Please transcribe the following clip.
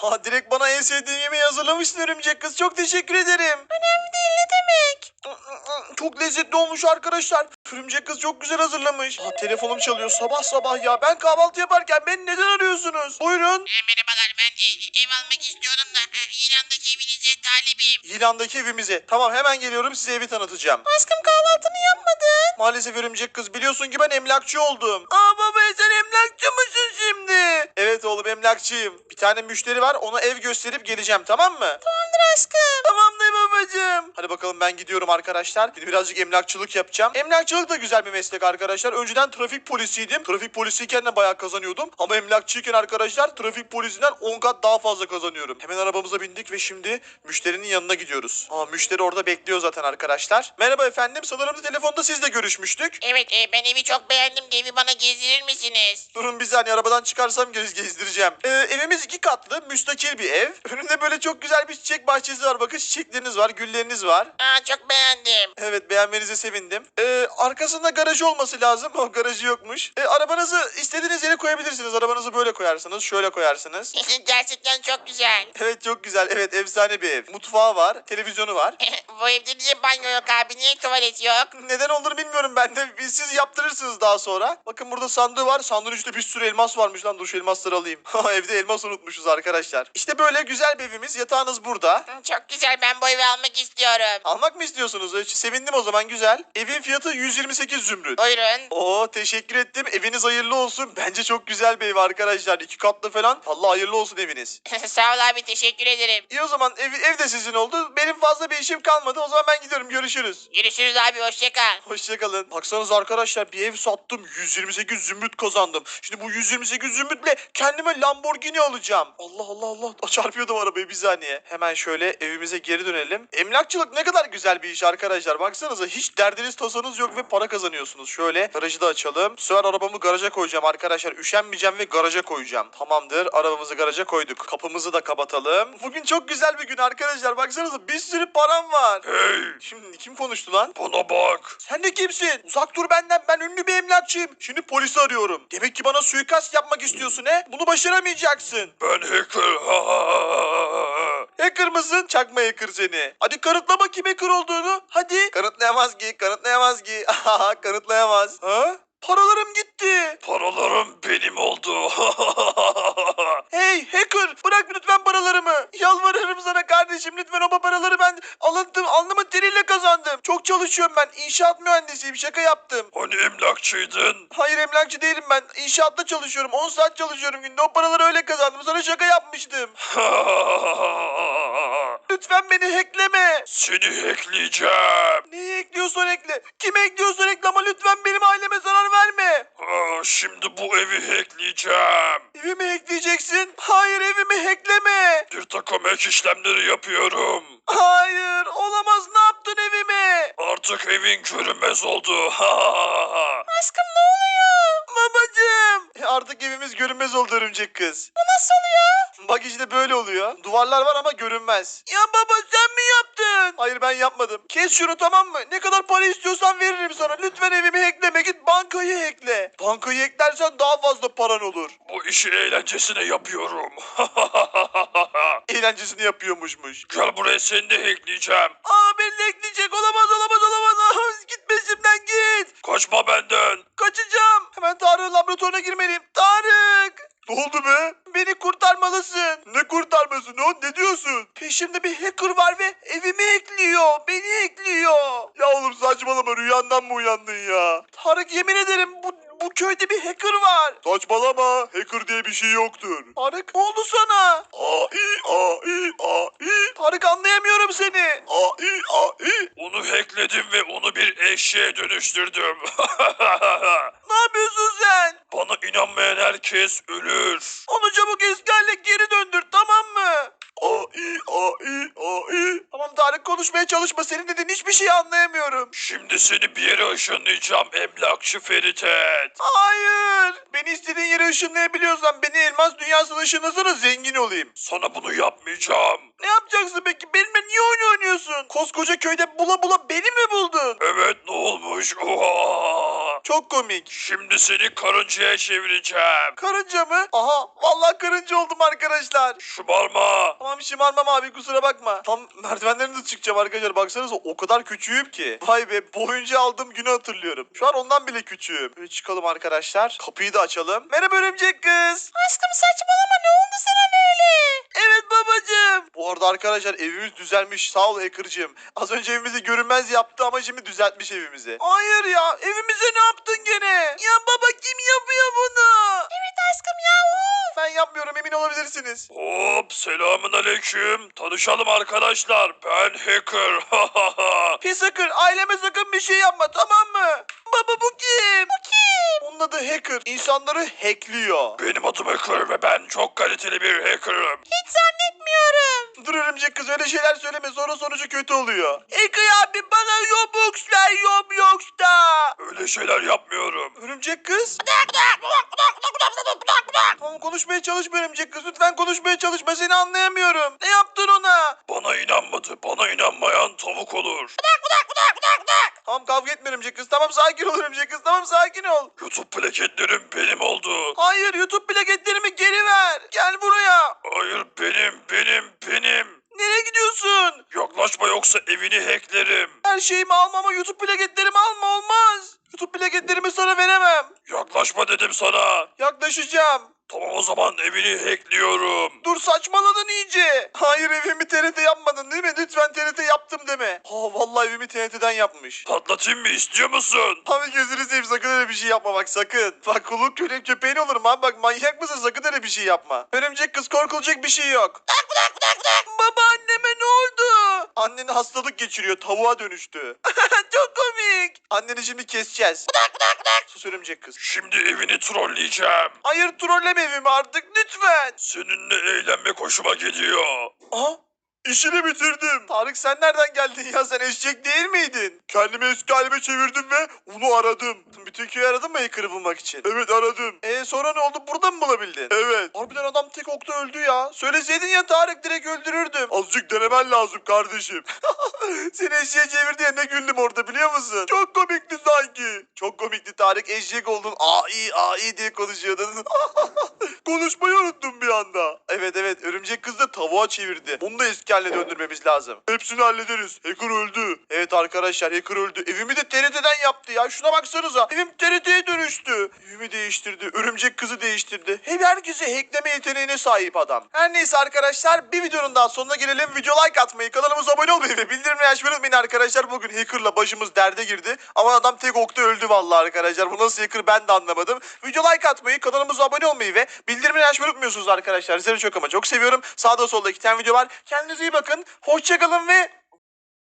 Ha, direkt bana en sevdiğim yemeği hazırlamışsın örümcek kız. Çok teşekkür ederim. Önemli değil, ne demek? Çok lezzetli olmuş arkadaşlar. Örümcek kız çok güzel hazırlamış. Ha, telefonum çalıyor sabah sabah ya. Ben kahvaltı yaparken beni neden arıyorsunuz? Buyurun. Merhabalar, ben ev almak istiyorum da İran'daki evinize talibim. İlandaki evimize. Tamam, hemen geliyorum, size evi tanıtacağım. Aşkım, kahvaltını yapmadın. Maalesef örümcek kız, biliyorsun ki ben emlakçı oldum. Aa baba, sen emlakçı mısın şimdi? Evet oğlum, emlakçıyım. Bir tane müşteri var, ona ev gösterip geleceğim, tamam mı? Tamamdır aşkım. Tamamdır babacığım. Hadi bakalım, ben gidiyorum arkadaşlar. Şimdi birazcık emlakçılık yapacağım. Emlakçılık da güzel bir meslek arkadaşlar. Önceden trafik polisiydim. Trafik polisiyken de bayağı kazanıyordum. Ama emlakçıyken arkadaşlar trafik polisinden 10 kat daha fazla kazanıyorum. Hemen arabamıza bindik ve şimdi müşterinin yanına gidiyoruz. Aa, müşteri orada bekliyor zaten arkadaşlar. Merhaba efendim. Sanırım telefonda sizle görüşmüştük. Evet, ben evi çok beğendim de evi bana gezdirir misiniz? Durun bir saniye, arabadan çıkarsam gezdireceğim. Evimiz 2 katlı, müstakil bir ev. Önünde böyle çok güzel bir çiçek bahçesi var. Bakın, çiçekleriniz var, gülleriniz var. Çok beğendim. Evet, beğenmenize sevindim. Arkasında garajı olması lazım. O garajı yokmuş. Arabanızı istediğiniz yere koyabilirsiniz. Arabanızı böyle koyarsınız, şöyle koyarsınız. Gerçekten çok güzel. Evet, çok güzel. Evet, efsane bir ev. Mutfağı var, televizyonu var. Bu evde niye banyo yok abi? Niye tuvalet yok? Neden olduğunu bilmiyorum ben de. Siz yaptırırsınız daha sonra. Bakın, burada sandığı var. Sandığın içinde bir sürü elmas varmış lan. Dur, şu elmasları alayım. Evde elmas unutmuşuz arkadaşlar. İşte böyle güzel bir evimiz. Yatağınız burada. Çok güzel, ben bu evi almak istiyorum. Almak mı istiyorsunuz? Sevindim o zaman, güzel. Evin fiyatı 128 zümrüt. Buyurun. Oo, teşekkür ettim. Eviniz hayırlı olsun. Bence çok güzel bir ev arkadaşlar. 2 katlı falan. Allah hayırlı olsun eviniz. Sağ ol abi, teşekkür ederim. İyi, o zaman ev de sizin oldu. Benim fazla bir işim kalmadı. O zaman ben gidiyorum. Görüşürüz. Görüşürüz abi, hoşça kal. Hoşçakalın. Baksanıza arkadaşlar, bir ev sattım. 128 zümrüt kazandım. Şimdi bu 128 zümrütle kendime Lamborghini alacağım. Allah Allah Allah. Çarpıyordum arabayı, bir saniye. Hemen şöyle evimize geri dönelim. Emlakçılık ne kadar güzel bir iş arkadaşlar. Baksanıza, hiç derdiniz tasanız yok ve para kazanıyorsunuz. Şöyle garajı da açalım. Bu sefer arabamı garaja koyacağım arkadaşlar. Üşenmeyeceğim ve garaja koyacağım. Tamamdır. Arabamızı garaja koyduk. Kapımızı da kapatalım. Bugün çok güzel bir gün arkadaşlar. Baksanıza, bir sürü param var. Hey, Şimdi kim konuştu lan? bana bak. Sen de kimsin? Uzak dur benden. Ben ünlü bir emlakçıyım. Şimdi polisi arıyorum. Demek ki bana suikast yapmak istiyorsun he? Bunu başaramayacaksın. Ben hacker. Hacker mısın? Çakma hacker seni. Hadi kanıtla bakayım hacker olduğunu. Hadi. Kanıtlayamaz ki. Kanıtlayamaz ki. Kanıtlayamaz. Ha? Paralarım gitti. Paralarım benim oldu. Hey hacker, bırak lütfen paralarımı. Yalvarırım sana kardeşim, lütfen o paraları ben alnımın teriyle kazandım. Çok çalışıyorum ben. İnşaat mühendisiyim, şaka yaptım. Hani emlakçıydın? Hayır, emlakçı değilim ben. İnşaatta çalışıyorum. 10 saat çalışıyorum günde. O paraları öyle kazandım. Sana şaka yapmıştım. Lütfen beni hackleme. Seni hackleyeceğim. Neyi ekliyorsan ekle. Kimi ekliyorsan ekle ama lütfen benim aileme zarar verme. Şimdi bu evi hackleyeceğim. Evimi hackleyeceksin. Hayır, evimi hackleme. Bir takım hack işlemleri yapıyorum. Hayır, olamaz. Ne yaptın evime? Artık evin görünmez oldu. Aşkım, ne oluyor? Babacığım. Artık evimiz görünmez oldu örümcek kız. Bu nasıl oluyor? Bak işte böyle oluyor. Duvarlar var ama görünmez. Ya baba, sen mi yaptın? Hayır, ben yapmadım. Kes şunu, tamam mı? Ne kadar para istiyorsan veririm sana. Lütfen evimi hackleme, git bankayı hackle. Bankayı hacklersen daha fazla paran olur. Bu işi eğlencesine yapıyorum. Eğlencesini yapıyormuşmuş. Gel buraya, seni de hackleyeceğim. Beni hackleyecek, olamaz olamaz olamaz. Git peşimden git. Kaçma benden. Kaçacağım. Hemen Tarık'ın laboratuvarına girmeliyim. Tarık. Ne oldu be? Beni kurtarmalısın. Ne kurtarması? Ne diyorsun? Peşimde bir hacker var ve evimi hackliyor. Beni hackliyor. Ya oğlum saçmalama, rüyandan mı uyandın ya? Tarık, yemin ederim bu köyde bir hacker var. Saçmalama, hacker diye bir şey yoktur. Tarık, ne oldu sana? A-i. Tarık, anlayamıyorum seni. A-i. Onu hackledim ve onu bir eşeğe dönüştürdüm. Ne yapıyorsun sen? Bana inanmayan herkes ölür. Onu çabuk eski haline geri döndür, tamam mı? A-i. Tamam Tarık, konuşmaya çalışma. Senin dediğin hiçbir şeyi anlayamıyorum. Şimdi seni bir yere ışınlayacağım emlakçı Feritet. Hayır. Beni istediğin yere ışınlayabiliyorsan beni elmas dünyasına ışınlasana, zengin olayım. Sana bunu yapmayacağım. Ne yapacaksın peki? Benimle niye oyun oynuyorsun? Koskoca köyde bula bula beni mi buldun? Evet, ne olmuş? Oha! Çok komik. Şimdi seni karıncaya çevireceğim. Karınca mı? Aha vallahi karınca oldum arkadaşlar. Şımarma. Tamam şımarmam abi kusura bakma. Tam merdivenlerine de çıkacağım arkadaşlar. Baksanıza o kadar küçüğüm ki. Vay be boyunca aldığım günü hatırlıyorum. Şu an ondan bile küçüğüm. Böyle çıkalım arkadaşlar. Kapıyı da açalım. Merhaba örümcek kız. Aşkım saçmalama, ne oldu sana böyle? Evet babacığım. Bu arada arkadaşlar evimiz düzelmiş. Sağ ol hacker'cığım. Az önce evimizi görünmez yaptı ama şimdi düzeltmiş evimizi. Hayır ya evimize ne yaptın gene? Ya baba kim yapıyor bunu? Evet aşkım ya, of. Ben yapmıyorum emin olabilirsiniz. Hop, selamun aleyküm. Tanışalım arkadaşlar. Ben Hacker. Pis hacker aileme sakın bir şey yapma tamam mı? Baba bu kim? Bu kim? Onun adı hacker. İnsanları hackliyor. Benim adım Hacker ve ben çok kaliteli bir hacker'ım. Hiç zannetmiyorum. Dur örümcek kız öyle şeyler söyleme sonra sonucu kötü oluyor. Hacker abi bana Robux ver Roblox'ta. Öyle şeyler yapmıyorum. Örümcek kız. Tamam konuşmaya çalışma örümcek kız lütfen konuşmaya çalışma seni anlayamıyorum. Ne yaptın ona? Bana inanmadı. Bana inanmayan tavuk olur. Tamam kavga etme örümcek kız tamam sakin ol örümcek kız tamam sakin ol. YouTube plaketlerim benim oldu. Hayır YouTube plaketlerimi geri ver. Gel buraya. Hayır, benim. Nereye gidiyorsun? Yaklaşma yoksa evini hacklerim. Her şeyimi alma ama YouTube plaketlerimi alma olmaz. YouTube plaketlerimi sana veremem. Yaklaşma dedim sana. Yaklaşacağım. Tamam o zaman evini hackliyorum. Dur saçmaladın iyice. Hayır evimi TRT yapmadın değil mi? Lütfen TRT yaptım deme. Ha vallahi evimi TRT'den yapmış. Patlatayım mı, istiyor musun? Abi gözünü seveyim sakın öyle bir şey yapma bak sakın. Bak kulun köpeğin olurum abi bak manyak mısın sakın öyle bir şey yapma. Örümcek kız korkulacak bir şey yok. Baba anneme ne oldu? Annen hastalık geçiriyor tavuğa dönüştü. Çok komik. Anneni şimdi keseceğiz. Sus örümcek kız. Şimdi evini trolleyeceğim. Hayır trolleme evimi artık lütfen. Seninle eğlenmek hoşuma gidiyor. Aha işini bitirdim. Tarık sen nereden geldin ya sen eşek değil miydin? Kendimi eski halime çevirdim ve onu aradım. Bütün köyü aradın mı hacker'ı bulmak için? Evet aradım. Sonra ne oldu burada mı bulabildin? Evet. Harbiden adam tek okta öldü ya. Söyleseydin ya Tarık direkt öldürürdüm. Azıcık denemen lazım kardeşim. Seni eşeğe çevirdi ya ne güldüm orada biliyor musun? Çok komikti sanki. Çok komikti Tarık eşek oldun. Ai diye konuşuyordun. Konuşmayı unuttum bir anda. Evet örümcek kız da tavuğa çevirdi. Onu da eski haline döndürmemiz lazım. Hepsini hallederiz. Hacker öldü. Evet arkadaşlar hacker öldü. Evimi de TRT'den yaptı ya. Şuna baksanıza. Evim TRT'ye dönüştü. Evimi değiştirdi. Örümcek kızı değiştirdi. Hep herkese hackleme yeteneğine sahip adam. Her neyse arkadaşlar bir videonun daha sonuna gelelim. Video like atmayı, kanalımıza abone olmayı ve bildirimleri açmayı unutmayın arkadaşlar. Bugün hackerla başımız derde girdi. Ama adam tek okta öldü vallahi arkadaşlar. Bu nasıl hacker ben de anlamadım. Video like atmayı, kanalımıza abone olmayı ve bildirimleri açmayı unutmuyorsunuz arkadaşlar. Sizleri çok ama çok seviyorum. Sağda solda 2 tane video var. Kendinize iyi bakın. Hoşçakalın ve